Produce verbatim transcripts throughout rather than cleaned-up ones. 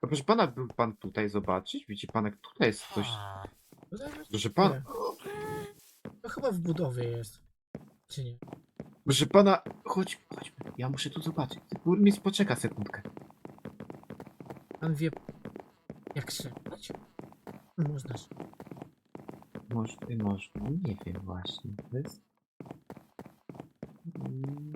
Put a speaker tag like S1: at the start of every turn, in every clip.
S1: A proszę pana, był pan tutaj zobaczyć? Widzi pan, jak tutaj jest coś.
S2: Tutaj właśnie
S1: Proszę pan,
S2: nie. To chyba w budowie jest. Czy nie?
S1: proszę pana, chodź, chodźmy. Ja muszę tu zobaczyć. Burmistrz poczeka sekundkę.
S2: Pan wie, jak strzelać? Można.
S1: Może, można, nie wiem właśnie. To jest... Mm,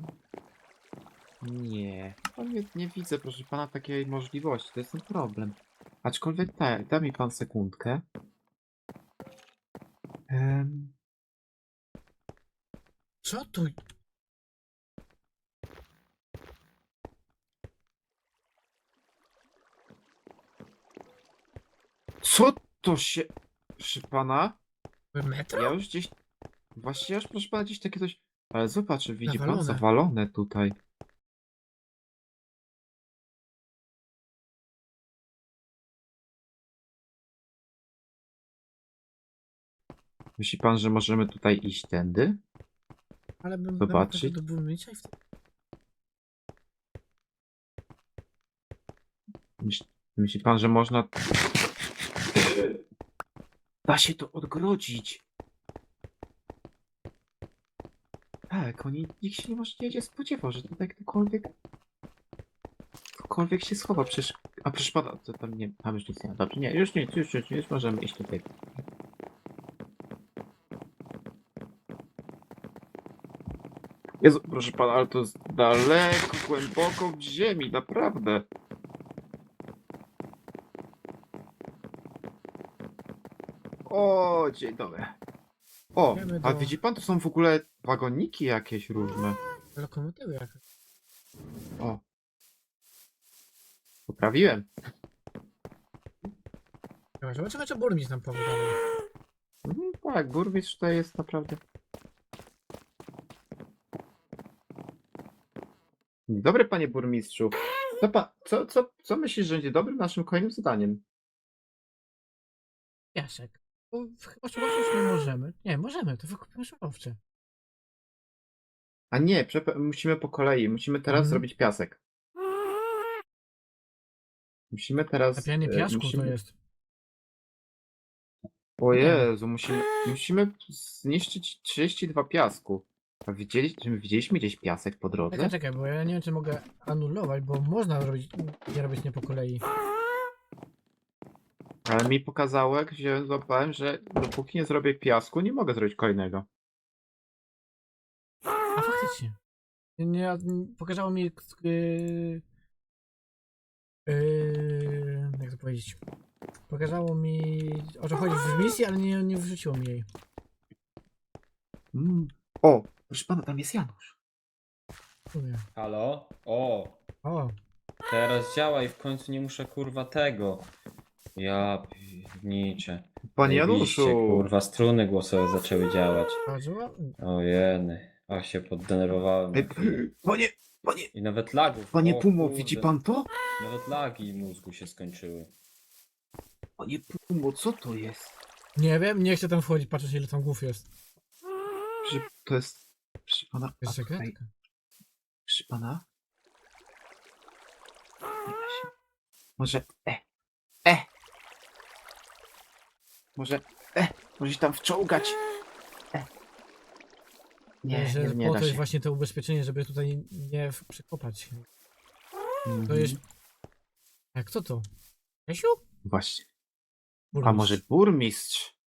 S1: Nie, no nie, nie widzę, proszę pana, takiej możliwości. To jest ten problem. Aczkolwiek tak, da mi pan sekundkę. Em,
S2: Co tu?
S1: Co to się... Proszę pana?
S2: Metro?
S1: Ja już gdzieś... Właśnie ja już, proszę pana, gdzieś takie coś... Ale zobacz, widzi pan,
S2: Zawalone.
S1: zawalone tutaj. Myśli pan, że możemy tutaj iść tędy?
S2: Ale bym
S1: Zobaczyć.
S2: poszedł do burmistrza i wtedy...
S1: Myśl, myśli pan, że można... Da się to odgrodzić. Tak, oni, nikt się nie może nie spodziewał, że tutaj ktokolwiek... Ktokolwiek się schowa, przecież... A proszę pana, to tam nie... Tam już nic nie ma. Dobrze, nie, już nie, już, już, już możemy iść tutaj. Jezu, proszę pana, ale to jest daleko, głęboko w ziemi, naprawdę. O, dzień dobry. O,
S2: Idziemy
S1: a
S2: do-
S1: widzi pan, to są w ogóle wagoniki jakieś różne.
S2: Lokomotywy jakaś.
S1: O. Poprawiłem.
S2: Dobra, zobaczymy, co burmistrz nam powie dalej.
S1: Mhm, tak, burmistrz tutaj jest naprawdę... Dzień dobry, panie burmistrzu. Co, pa, co, co, co myślisz, że będzie dobrym naszym kolejnym zadaniem?
S2: Piasek. Bo chyba surowce już nie możemy. Nie, możemy, to wykupimy surowce.
S1: A nie, przepa- musimy po kolei. Musimy teraz
S2: Mhm.
S1: zrobić piasek. Musimy teraz...
S2: Zapianie
S1: e,
S2: piasku
S1: musimy...
S2: to jest.
S1: O
S2: Nie.
S1: Jezu, musimy, musimy zniszczyć trzydzieści dwa piasku. A widzieli, czy my widzieliśmy gdzieś piasek po drodze?
S2: Czekaj, czekaj, bo ja nie wiem, czy mogę anulować, bo można robić, nie robić nie po kolei.
S1: Ale mi pokazało, jak wziąłem, złapałem, że dopóki nie zrobię piasku, nie mogę zrobić kolejnego.
S2: A faktycznie. Nie, pokazało mi. Yy, yy, jak to powiedzieć? Pokazało mi, o co chodzi w misji, ale nie, nie wrzuciło mi jej.
S1: Mm. O, proszę pana, tam jest Janusz.
S2: Mówię.
S3: Halo? O,
S2: O,
S3: teraz działa i w końcu nie muszę kurwa tego. Ja pierniczę.
S1: Panie
S3: Zajebiście,
S1: Januszu!
S3: kurwa, struny głosowe zaczęły działać.
S2: bardzo ładnie.
S3: O jeny, a się poddenerwowałem.
S1: Ej, panie, panie,
S3: I nawet lagów.
S1: panie
S3: o,
S1: Pumo,
S3: kurde,
S1: widzi pan to?
S3: Nawet lagi mózgu się skończyły.
S1: Panie Pumo, co to jest?
S2: Nie wiem, nie chcę tam wchodzić, patrzeć ile tam głów jest.
S1: Że to jest... Proszę pana,
S2: To
S1: a
S2: jest
S1: tutaj,
S2: sekretka.
S1: proszę pana? Nie da się. Może... E, e! Może... E! Może się tam wczołgać! E! Nie,
S2: że
S1: nie, nie
S2: po
S1: da
S2: to jest
S1: się.
S2: właśnie to ubezpieczenie, żeby tutaj nie w- przekopać. To
S1: Mhm.
S2: jest. Jak co to? Jasiu?
S1: Właśnie. A
S2: Burmistrz.
S1: może burmistrz?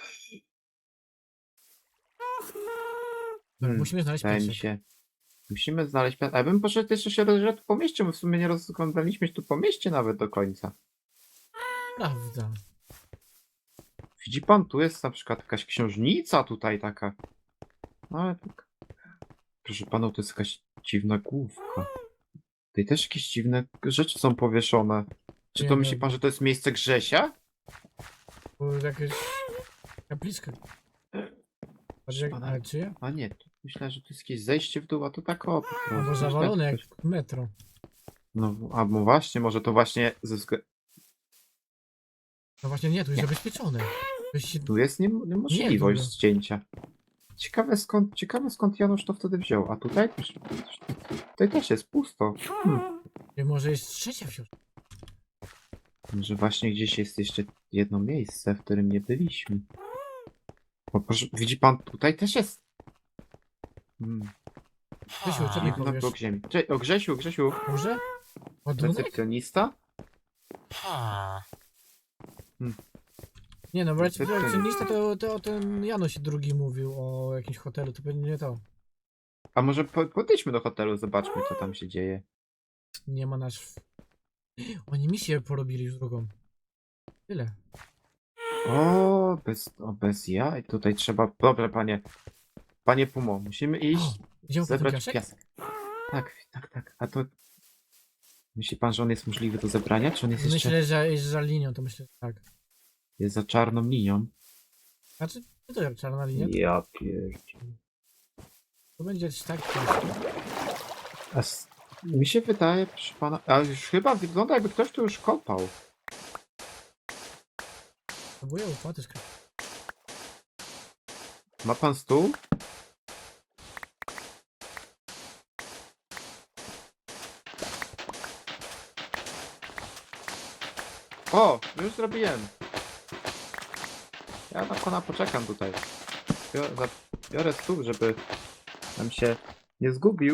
S2: Dobra, musimy znaleźć
S1: Wydaje mi
S2: piasek.
S1: się. Musimy znaleźć piasek. A ja bym poszedł jeszcze się rozejrzeć po mieście, bo w sumie nie rozglądaliśmy się tu po mieście nawet do końca.
S2: Prawda.
S1: Widzi pan, tu jest na przykład jakaś księżnica tutaj taka. No ale tak. Proszę pana, to jest jakaś dziwna główka. Tutaj też jakieś dziwne rzeczy są powieszone. Czy
S2: Nie
S1: to
S2: wiem.
S1: myśli pan, że to jest miejsce Grzesia?
S2: Bo jakaś kapliczka.
S1: Proszę pana.
S2: Ale czyja?
S1: A nie, tu myślę, że to jest jakieś zejście w dół, a to tak o. po prostu.
S2: Albo
S1: Myślę,
S2: zawalone
S1: że
S2: jak
S1: ktoś-
S2: metro.
S1: No, albo właśnie, może to właśnie ze względu...
S2: No właśnie nie, tu jest
S1: Nie.
S2: zabezpieczone. To jest się...
S1: Tu jest nie, niemożliwość
S2: Nie,
S1: zdjęcia. Ciekawe skąd, ciekawe skąd Janusz to wtedy wziął. A tutaj też, tutaj też jest pusto. Hmm.
S2: Może jest trzecia w środku.
S1: Może właśnie gdzieś jest jeszcze jedno miejsce, w którym nie byliśmy. O, proszę, widzi pan, tutaj też jest. Hmm.
S2: Grzesiu, co mi
S1: Niech na
S2: powiesz?
S1: blok ziemi. Cze o, Grzesiu, Grzesiu.
S2: Może? Ładunek?
S1: Recepcjonista?
S2: Nie no, bo
S1: Recepcjonista.
S2: recepcjonista to, to ten Janusz drugi mówił o jakimś hotelu, to pewnie nie to.
S1: A może po podejdźmy do hotelu, zobaczmy, co tam się dzieje.
S2: Nie ma nazw. Oni misję porobili już drugą. Tyle.
S1: O, bez, o, bez jaj. Tutaj trzeba... Dobra, panie. Panie Pumo, musimy iść,
S2: Idziemy po ten
S1: zebrać
S2: piasek?
S1: piasek. Tak, tak, tak. A to... Myśli pan, że on jest możliwy do zebrania, czy on jest jeszcze...
S2: Myślę, że jest za linią, to myślę, że tak.
S1: Jest za czarną linią?
S2: Znaczy, co to jak czarna linia?
S1: Ja pierdzielę.
S2: To będzie tak.
S1: A s- mi się wydaje, proszę pana, a już chyba wygląda jakby ktoś tu już kopał.
S2: Próbuję upaty skryć.
S1: Ma pan stół? O, już zrobiłem. Ja na pana poczekam tutaj. Biorę, za- biorę stół, żeby nam się nie zgubił.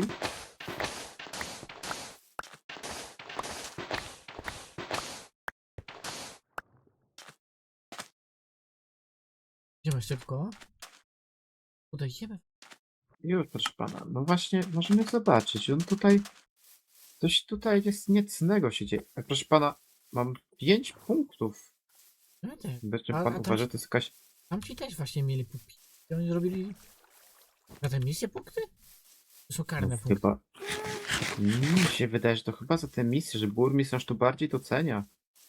S2: Idziemy szybko. Tutaj jemy.
S1: Już, proszę pana. No właśnie, możemy zobaczyć. On tutaj... Coś tutaj jest niecnego się dzieje. E, Proszę pana, mam pięć punktów.
S2: No ty.
S1: Będzie
S2: A-
S1: pan
S2: a tam
S1: uważa,
S2: się-
S1: to jest jakaś...
S2: Tam ci też właśnie mieli pupi. I oni zrobili. Na te misje punkty? To są karne
S1: No,
S2: punkty.
S1: chyba... Mi się wydaje, że to chyba za tę misję, że burmistrz to bardziej docenia.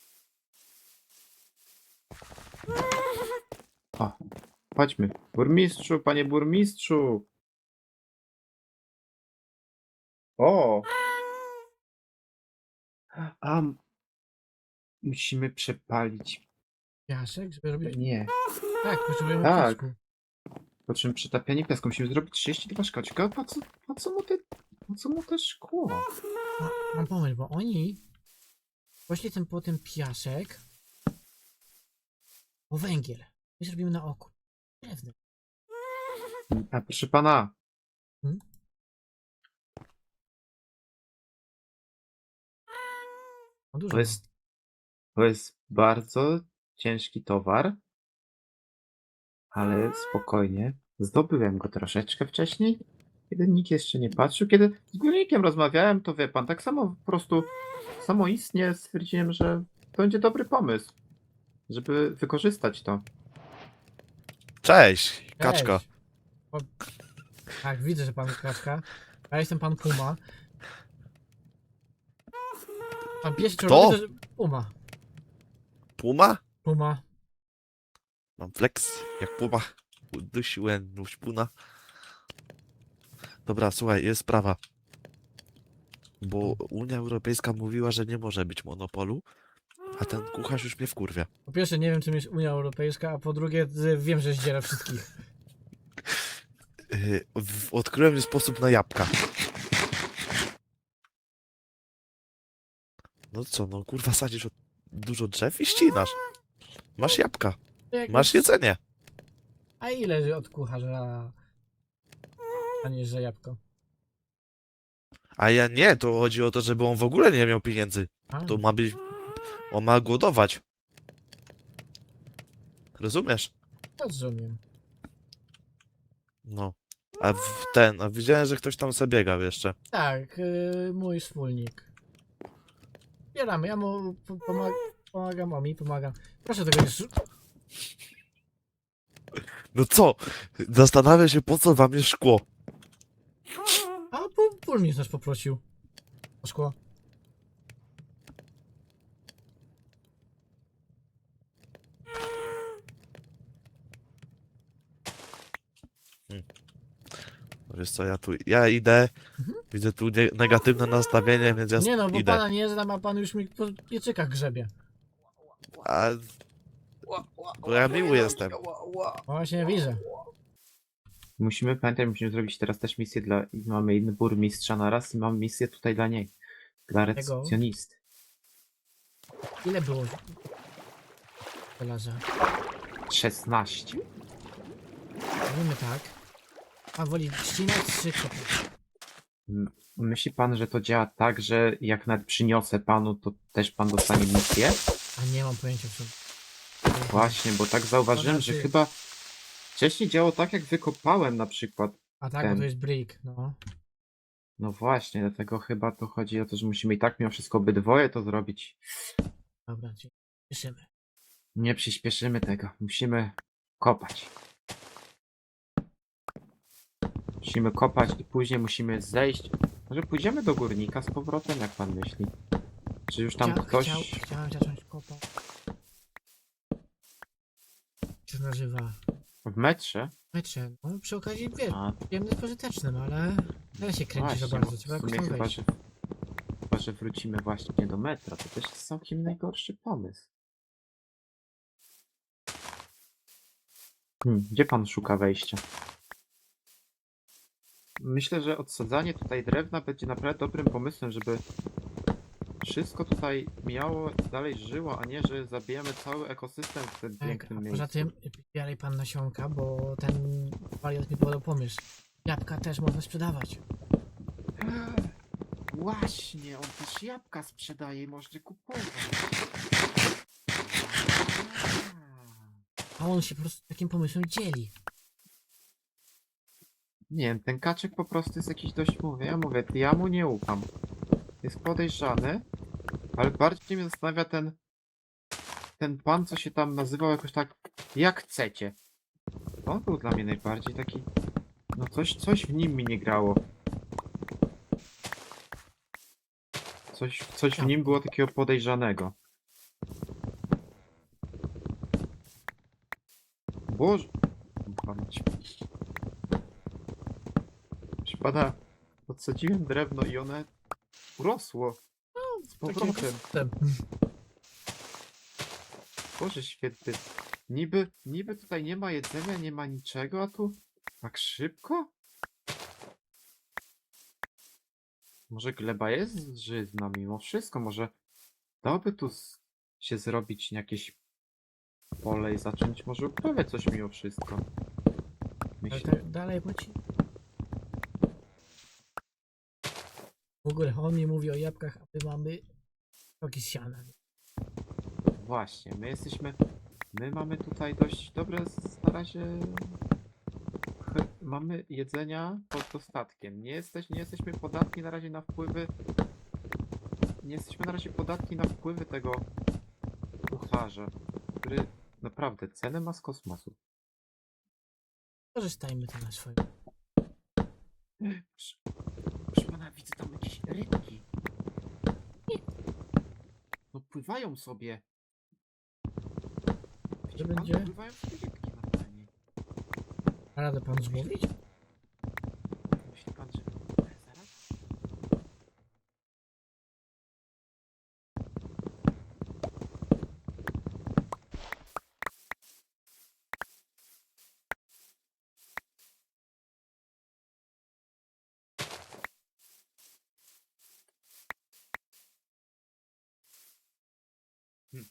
S1: O, chodźmy. Burmistrzu, panie burmistrzu! O! A, m- musimy przepalić.
S2: Piasek, żeby robić.
S1: Nie.
S2: Tak, potrzebujemy
S1: Tak.
S2: piasku.
S1: Po czym przetapianie piasku musimy zrobić trzydzieści dwa szkła. Ciekawe, po co, po co mu te, po co mu te szkło?
S2: A, mam pomysł, bo oni poszli ten po ten piasek o węgiel. My zrobimy na oku. Drewno.
S1: A proszę pana,
S2: No dużo.
S1: to jest, to jest bardzo ciężki towar, ale spokojnie. Zdobyłem go troszeczkę wcześniej, kiedy nikt jeszcze nie patrzył. Kiedy z górnikiem rozmawiałem, to wie pan, tak samo po prostu samoistnie stwierdziłem, że to będzie dobry pomysł, żeby wykorzystać to.
S4: Cześć,
S2: Cześć.
S4: kaczka.
S2: O, tak, widzę, że pan kaczka. Ja jestem pan Puma. Pan pies
S4: Kto?
S2: czerwony to jest Puma.
S4: Puma?
S2: Puma.
S4: Mam flex, jak puma. Udusiłem nóż puna. Dobra, słuchaj, jest sprawa. Bo Unia Europejska mówiła, że nie może być monopolu, a ten kucharz już mnie wkurwia.
S2: Po pierwsze nie wiem czym jest Unia Europejska, a po drugie z- wiem, że zdziera wszystkich.
S4: Yy, w- odkryłem sposób na jabłka. No co, no kurwa sadzisz od dużo drzew i ścinasz. Masz jabłka,
S2: To jak-
S4: masz jedzenie.
S2: A ile od kucharza? A nie, że jabłko.
S4: A ja nie, to chodzi o to, żeby on w ogóle nie miał pieniędzy.
S2: A,
S4: To ma być... On ma głodować. Rozumiesz?
S2: rozumiem.
S4: No. A w ten, a widziałem, że ktoś tam sobie biegał jeszcze.
S2: Tak, yy, mój wspólnik. Zbieramy, ja mu po- pomag pomagam, a mi pomagam. Proszę tego nie sz-
S4: No co? Zastanawiam się, po co wam jest szkło.
S2: A pu- burmistrz nas poprosił. O szkło.
S4: Wiesz co, ja tu, ja idę,
S2: Mhm.
S4: widzę tu nie, negatywne nastawienie, więc ja
S2: Nie no, bo
S4: idę.
S2: pana nie znam, a pan już mi po pieczykach grzebie.
S4: A... Bo ja miły jestem.
S2: Właśnie widzę.
S1: Musimy pamiętać, musimy zrobić teraz też misję dla... i mamy inny burmistrza na raz i mam misję tutaj dla niej. Dla recepcjonisty.
S2: Ile było żelaza?
S1: szesnaście?
S2: Mówimy tak. A woli ścinać czy kopać?
S1: M- Myśli pan, że to działa tak, że jak nawet przyniosę panu, to też pan dostanie misję?
S2: A nie mam pojęcia co.
S1: Właśnie, bo tak zauważyłem, że
S2: znaczy-
S1: chyba wcześniej działało tak, jak wykopałem na przykład.
S2: A tak, bo
S1: ten.
S2: to jest brick, no.
S1: No właśnie, dlatego chyba to chodzi o to, że musimy i tak mimo wszystko obydwoje to zrobić.
S2: Dobra, czyli cieszymy.
S1: Nie przyspieszymy tego. Musimy kopać. Musimy kopać i później musimy zejść. Może pójdziemy do górnika z powrotem, jak pan myśli? Czy już tam
S2: Chciał,
S1: ktoś
S2: chciał, chciałem zacząć kopać. Co się nazywa?
S1: w metrze?
S2: Metrze. No przy okazji wiesz,
S1: A,
S2: przyjemny z pożytecznym, ale teraz się kręci za
S1: właśnie,
S2: bardzo,
S1: bo
S2: trzeba
S1: w
S2: jakoś
S1: sumie
S2: tam
S1: chyba,
S2: wejść.
S1: że, chyba, że wrócimy właśnie do metra. To też jest całkiem najgorszy pomysł. Hmm, gdzie pan szuka wejścia? Myślę, że odsadzanie tutaj drewna będzie naprawdę dobrym pomysłem, żeby wszystko tutaj miało, dalej żyło, a nie, że zabijamy cały ekosystem w tym
S2: Tak,
S1: pięknym
S2: a
S1: miejscu.
S2: poza tym bieraj pan nasionka, bo ten wariat mi podał pomysł. Jabłka też można sprzedawać.
S1: Właśnie, on też jabłka sprzedaje i można kupować.
S2: A on się po prostu takim pomysłem dzieli.
S1: Nie wiem, ten kaczek po prostu jest jakiś dość, mówię, ja mówię, ja mu nie ufam. Jest podejrzany, ale bardziej mnie zastanawia ten ten pan, co się tam nazywał jakoś tak, jak chcecie. On był dla mnie najbardziej taki, no coś, coś w nim mi nie grało. Coś, coś w nim było takiego podejrzanego. Boże... Pamięć. Proszę pana, odsadziłem drewno i one urosło. Z
S2: Taki
S1: powrotem.
S2: ekosystem.
S1: Boże święty. Niby, niby tutaj nie ma jedzenia, nie ma niczego, a tu tak szybko? Może gleba jest żyzna mimo wszystko, może dałoby tu z, się zrobić jakieś pole i zacząć może uprawiać coś mimo wszystko.
S2: Ale
S1: Myślę,
S2: tak dalej płaci. W ogóle on mi mówi o jabłkach, a my mamy rogi z siana.
S1: właśnie, my jesteśmy, my mamy tutaj dość dobre z- na razie, ch- mamy jedzenia pod dostatkiem. Nie, jesteś, nie jesteśmy podatni na razie na wpływy, nie jesteśmy na razie podatni na wpływy tego kucharza, który naprawdę cenę ma z kosmosu.
S2: Korzystajmy to na swoje.
S1: Proszę, proszę pana, widzę tam jakieś rybki. No pływają sobie. Widzi pan?
S2: będzie?
S1: Pływają sobie rybki normalnie.
S2: A radę pan złowić?
S1: Myśli pan, że... Zaraz? Hmm.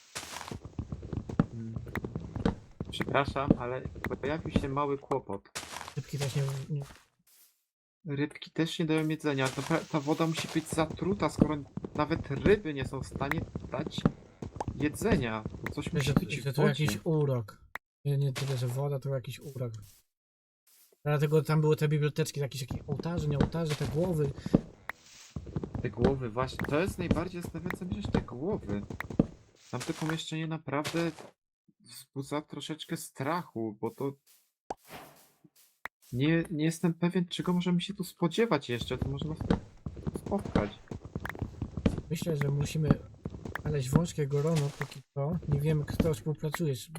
S1: Hmm. Przepraszam, ale pojawił się mały kłopot.
S2: Rybki też nie, nie...
S1: Rybki też nie dają jedzenia. Ta, ta woda musi być zatruta, skoro nawet ryby nie są w stanie dać jedzenia. To coś musi
S2: Że,
S1: być
S2: że
S1: w
S2: to
S1: wodzie.
S2: jakiś urok. Nie, nie tyle, że woda, to jakiś urok. Dlatego tam były te biblioteczki, jakieś, jakieś ołtarze, nie ołtarze, te głowy.
S1: Te głowy, właśnie. To jest najbardziej zastanawiające mnie, że te głowy. Tamte pomieszczenie naprawdę wzbudza troszeczkę strachu, bo to... Nie, nie jestem pewien, czego możemy się tu spodziewać jeszcze, co może nas tu spotkać.
S2: Myślę, że musimy znaleźć wąskie grono, póki co. Nie wiemy, kto współpracuje z...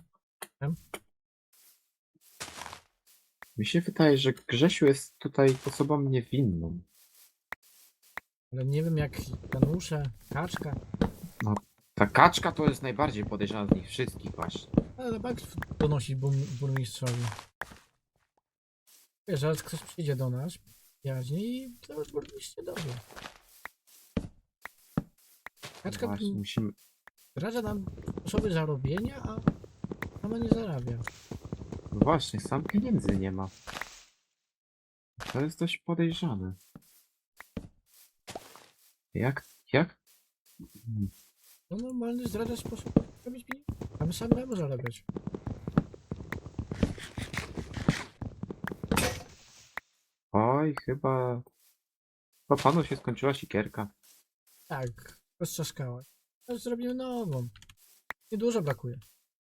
S1: Mi się wydaje, że Grzesiu jest tutaj osobą niewinną.
S2: Ale nie wiem, jak Janusze, Kaczka.
S1: Ta kaczka to jest najbardziej podejrzana z nich wszystkich właśnie.
S2: Ale na bank donosi bur- burmistrzowi. Wiesz, zaraz ktoś przyjdzie do nas, jaźni i to burmistrz się dowie. Kaczka,
S1: Właśnie, musimy,
S2: zdradza nam sposoby zarobienia, a sama nie zarabia.
S1: No właśnie, sam pieniędzy nie ma. To jest dość podejrzane. Jak, jak? Hmm.
S2: To normalny zdradza sposób robić pieniądze. A my samemu zarabiać.
S1: Oj, chyba... Chyba panu się skończyła sikierka.
S2: Tak, roztrzaskała. Teraz zrobimy nową. Niedużo brakuje.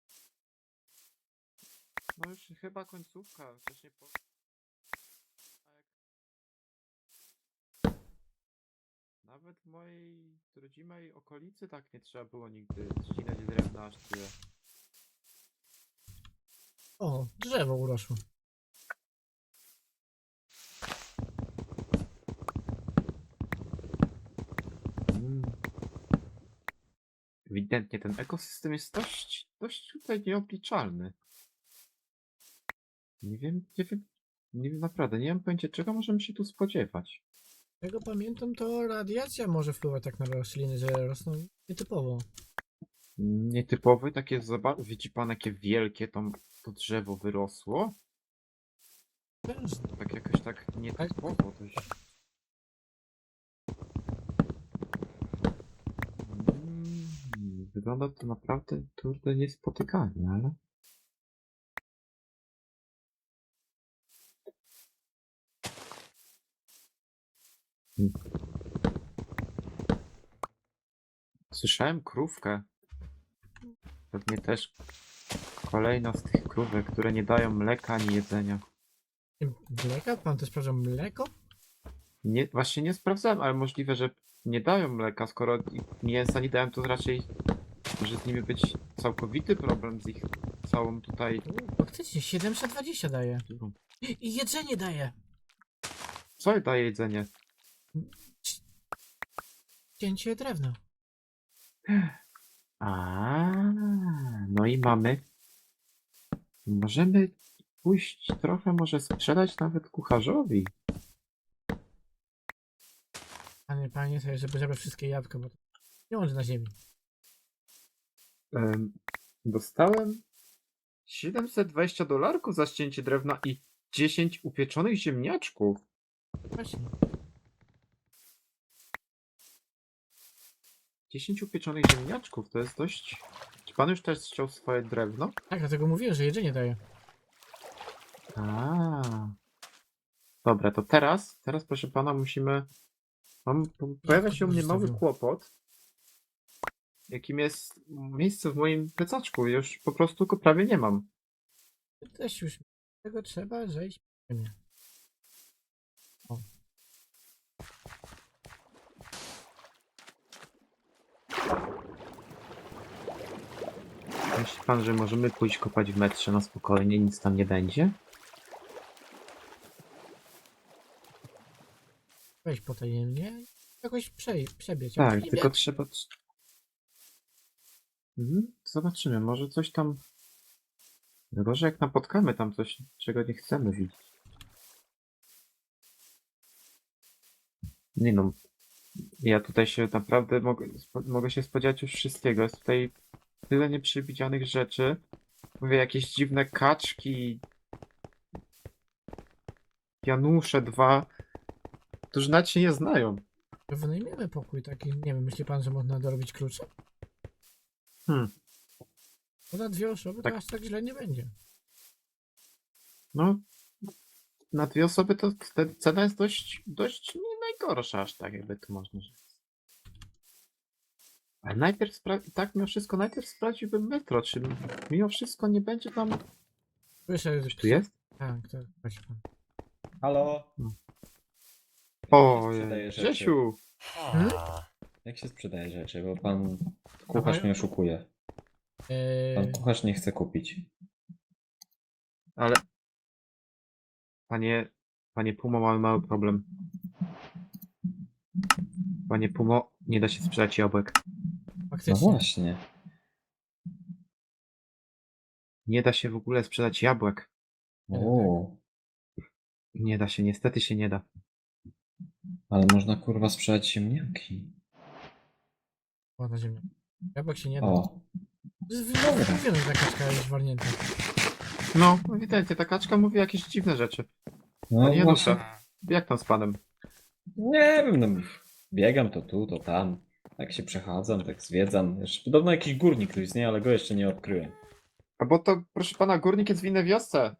S1: No już chyba końcówka, chociaż nie po... Nawet w mojej rodzimej okolicy tak nie trzeba było nigdy ścinać drewna aż tyle.
S2: O, drzewo urosło.
S1: Mm. Ewidentnie ten ekosystem jest dość, dość tutaj nieobliczalny. Nie wiem, nie wiem, nie wiem naprawdę, nie mam pojęcia czego możemy się tu spodziewać.
S2: Tego pamiętam, to radiacja może wpływać tak na rośliny, że rosną nietypowo.
S1: Nietypowy, takie, zobacz, widzi pan jakie wielkie tam to drzewo wyrosło?
S2: Często.
S1: Tak jakoś tak nietypowo dość. Mm, Wygląda to naprawdę kurde niespotykanie, ale... Hmm. Słyszałem krówkę. Pewnie też kolejna z tych krówek, które nie dają mleka ani jedzenia.
S2: Mleka? Pan też sprawdza mleko?
S1: Nie, właśnie nie sprawdzałem, ale możliwe, że nie dają mleka, skoro i mięsa nie dają, to raczej może z nimi być całkowity problem z ich całą tutaj...
S2: U, faktycznie, siedemset dwadzieścia daje. I jedzenie daje.
S1: Co daje jedzenie?
S2: Cięcie drewna.
S1: A, no i mamy. Możemy pójść trochę, może sprzedać nawet kucharzowi.
S2: Panie, panie, sobie, żeby zabrać wszystkie jabłka, bo to pieniądze na ziemi.
S1: Em, dostałem siedemset dwadzieścia dolarków za ścięcie drewna i dziesięć upieczonych ziemniaczków.
S2: Właśnie.
S1: dziesięć upieczonych ziemniaczków to jest dość. Czy pan już też chciał swoje drewno?
S2: Tak, dlatego mówiłem, że jedzenie daje.
S1: A. Dobra, to teraz, teraz proszę pana musimy. Mam, po- pojawia się u mnie mały
S2: zostawił?
S1: kłopot, jakim jest miejsce w moim plecaczku. Już po prostu go prawie nie mam.
S2: Też już tego trzeba zejść. Nie.
S1: Myśli pan, że możemy pójść kopać w metrze na spokojnie, nic tam nie będzie?
S2: Weź potajemnie. Jakoś przej, przebiec.
S1: Tak,
S2: Przebiec.
S1: tylko trzeba. Mhm, zobaczymy, może coś tam. Gorzej jak napotkamy tam coś, czego nie chcemy widzieć. Nie no. Ja tutaj się naprawdę mogę, spo- mogę się spodziewać już wszystkiego. Jest tutaj tyle nieprzewidzianych rzeczy. Mówię, jakieś dziwne kaczki. Janusze dwa. Którzy nawet się nie znają.
S2: Wynajmiemy pokój taki. Nie wiem, myśli pan, że można dorobić klucze?
S1: Hmm.
S2: Bo na dwie osoby
S1: Tak.
S2: to aż tak źle nie będzie.
S1: No. Na dwie osoby to wtedy cena jest dość, dość nie najgorsza, aż tak jakby to można rzec. Ale najpierw spra- tak mimo wszystko, najpierw sprawdziłbym metro, czy mimo wszystko nie będzie tam...
S2: Słyszę,
S1: Coś tu jest?
S2: Tak, tak, właśnie pan.
S3: Halo?
S1: O,
S3: sprzedaje rzeczy?
S1: Grzesiu!
S2: Hmm?
S3: Jak się sprzedaje rzeczy? Bo pan kucharz mnie oszukuje. Pan
S2: Eee,
S3: kucharz nie chce kupić.
S1: Ale... Panie... Panie Pumo, mamy mały problem. Panie Pumo, nie da się sprzedać jabłek.
S3: No
S2: faktycznie.
S3: właśnie.
S1: Nie da się w ogóle sprzedać jabłek.
S3: O,
S1: Nie da się, niestety się nie da.
S3: ale można kurwa sprzedać ziemniaki.
S2: Ładna ziemia. Jabłek się nie da.
S3: O,
S2: To jest wymówione, że ta kaczka jest warnięta.
S1: No, ewidentnie, ta kaczka mówi jakieś dziwne rzeczy.
S3: no
S1: Nie no,
S3: właśnie.
S1: szef. Jak tam z panem?
S3: Nie wiem, no, biegam to tu, to tam. Tak się przechadzam, tak zwiedzam. Jeszcze podobno jakiś górnik tu istnieje, ale go jeszcze nie odkryłem.
S1: A bo to, proszę pana, górnik jest w innej wiosce.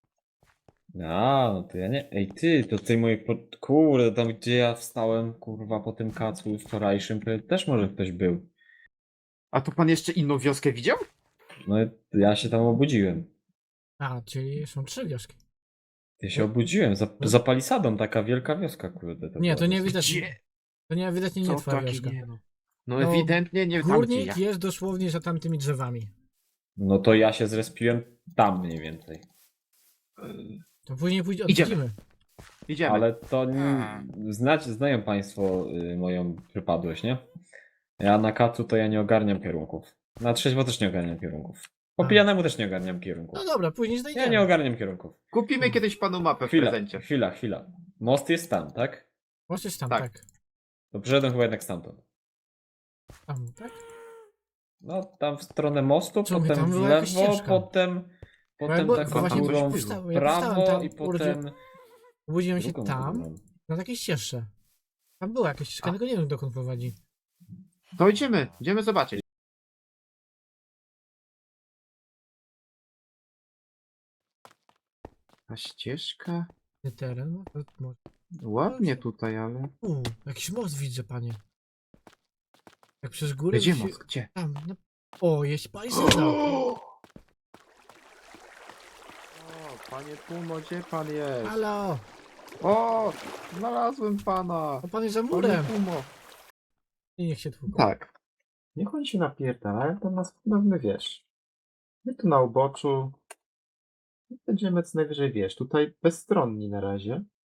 S3: A, no to ja nie. Ej, ty, to tej mojej. Po... Kurde, tam gdzie ja wstałem, kurwa, po tym kacu wczorajszym, to też może ktoś był.
S1: A tu pan jeszcze inną wioskę widział?
S3: No i ja się tam obudziłem.
S2: A, czyli są trzy wioski.
S3: Ja się obudziłem. Za, za palisadą taka wielka wioska, kurde.
S2: Nie,
S3: była
S2: to nie
S3: dosyć.
S2: widać.
S1: Gdzie?
S2: To nie widać nie, nie
S1: Co
S2: twoja
S1: taki
S2: wioska.
S1: nie no. No,
S2: No,
S1: ewidentnie nie tam gdzie ja.
S2: Górnik jest dosłownie za tamtymi drzewami.
S3: No to ja się zrespiłem tam mniej więcej.
S2: To później pójdzie
S1: Idziemy.
S2: odwiedzimy.
S1: Idziemy.
S3: Ale to nie, znać, znają Państwo y, moją przypadłość, nie? Ja na kacu to ja nie ogarniam kierunków. Na trzeźwo też nie ogarniam kierunków. Po
S2: A.
S3: pijanemu też nie ogarniam kierunków.
S2: No dobra, później
S3: Ja
S2: znajdziemy.
S3: nie ogarniam kierunków.
S1: Kupimy kiedyś panu mapę w
S3: Chwila,
S1: prezencie.
S3: chwila, chwila. Most jest tam, tak?
S2: Możesz tam,
S1: Tak.
S2: tak.
S3: To przyszedłem chyba jednak stamtąd.
S2: Tam, tak?
S3: No, tam w stronę mostu,
S2: Co my,
S3: potem
S2: tam
S3: w
S2: była jakaś
S3: lewo,
S2: ścieżka.
S3: potem, potem
S2: bo-
S3: taką
S1: właśnie coś
S3: górą
S1: było.
S3: w
S2: Ja
S3: prawo
S2: postałem
S3: i
S2: tam,
S3: potem
S2: Obudziłem się
S3: drugą
S2: tam,
S3: górą.
S2: na takiej ścieżce. Tam była jakaś ścieżka,
S1: A.
S2: tylko nie wiem dokąd prowadzi.
S1: To idziemy, idziemy zobaczyć. Ta ścieżka?
S2: Nie teren, no to może.
S1: Ładnie tutaj, ale...
S2: U, jakiś most widzę, panie. Jak przez górę.
S1: Gdzie
S2: to się-
S1: most? Gdzie?
S2: Tam, no. O, jest palisada.
S1: O, panie Pumo, gdzie pan jest?
S2: Halo!
S1: O, znalazłem pana.
S2: O, pan jest za
S1: Panie
S2: murem.
S1: Pumo.
S2: I niech się tłuką.
S1: Tak. Niech on się napierdala, ale to nas pewnie wiesz. My tu na uboczu. Będziemy co najwyżej, wiesz, tutaj bezstronni na razie.